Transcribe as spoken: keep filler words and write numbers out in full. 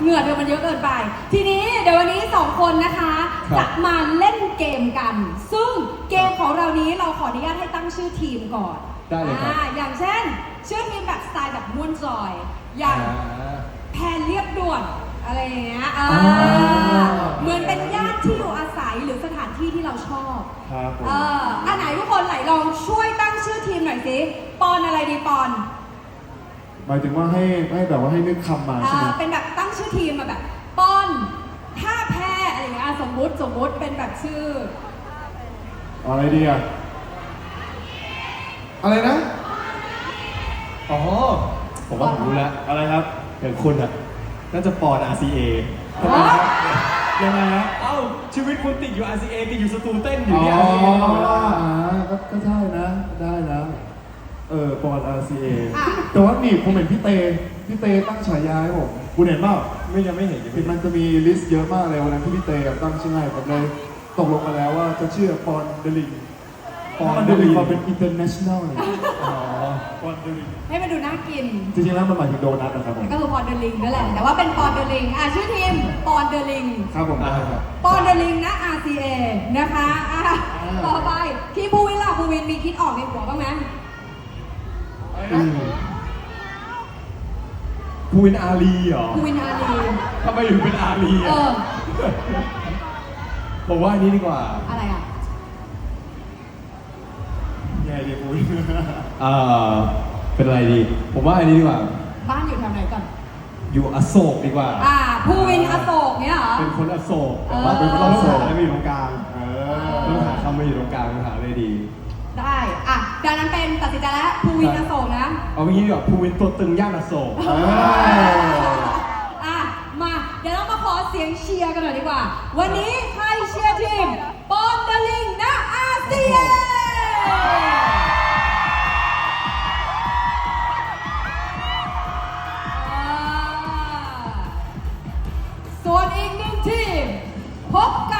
งื่อเธอมันเยอะเกินไปทีนี้เดี๋ยววันนี้สองคนนะคะจะมาเล่นเกมกันซึ่งเกมของเรานี้เราขออนุญาตให้ตั้งชื่อทีมก่อนได้เลยครับอย่างเช่นชื่อทีมแบบสไตล์แบบม่วนจอยอย่างแพนเรียบด่วนอะไรอย่างเงี้ยเหมือนเป็นย่านที่อยู่อาศัยหรือสถานที่ที่เราชอบครับผมเอออันไหนทุกคนไหนลองช่วยตั้งชื่อทีมหน่อยสิปอนอะไรดีปอนหมายถึงว่าให้ให้แบบว่าให้นึกคำมาใช่ไหมเป็นแบบตั้งชื่อทีมมาแบบปอนท่าแพ้อะไรอย่างเงี้ยสมมุติสมมุติเป็นแบบชื่ออะไรดีอะอะไรนะอ๋อผมว่าผมรู้แล้วอะไรครับอย่างคุณอะน่าจะปอน อาร์ ซี เอ ทำไมครับยังไงฮะเอ้าชีวิตคุณติดอยู่ อาร์ ซี เอ ติดอยู่สตูเต้นอยู่เนี่ยอ๋อก็ใช่นะได้นะเออปอน อาร์ ซี เอ แต่ว่านี่ผมเห็นพี่เตพี่เตตั้งฉายาให้ผมคุณเห็นเปล่าไม่ยังไม่เห็นยังมันจะมีลิสต์เยอะมากเลยวันนั้นที่พี่เตตั้งชื่อให้ผมเลยตกลงมาแล้วว่าจะชื่อปอนเดลิงปอนเดลิงเป็น international เลยอ๋อปอนเดลิงให้มันดูน่ากินจริงๆแล้วมันหมายถึงโดนัทนะครับผมก็คือปอนเดลิงนั่นแหละแต่ว่าเป็นปอนเดลิงอ่ะชื่อทีมปอนเดลิงครับผมครับปอนเดลิงนะ อาร์ ซี เอ นะคะอ่ะต่อไปที่ภูวินล่ะภูวินมีคิดออกในหัวบ้างไหมภูวินอารีเหรอภูวินอารีทำไมถึงเป็นอารีอ่ะผมว่าอันนี้ดีกว่าอะไรอ่ะแย่ดีภูวินเอ่อเป็นอะไรดีผมว่าอันนี้ดีกว่าบ้านอยู่แถวไหนก่อนอยู่อโศกดีกว่าอ่าภูวินอโศกเนี่ยเหรอเป็นคนอโศกแต่ว่าเป็นคนอโศกแล้วมาอยู่ตรงกลางต้องหาคำมาอยู่ตรงกลางหาเลยดีได้อ่ะดังนั้นเป็นตัดสินใจแล้วภูวินอโศกนะเอาเมื่อกี้แบบภูวินตัวตึงย่านอโศกอ่ะมาเดี๋ยวเรามาขอเสียงเชียร์กันหน่อยดีกว่าวันนี้ใครเชียร์ทีมปอนเดลิงนะอาเซียนส่วนอีกหนึ่งทีมพบกับ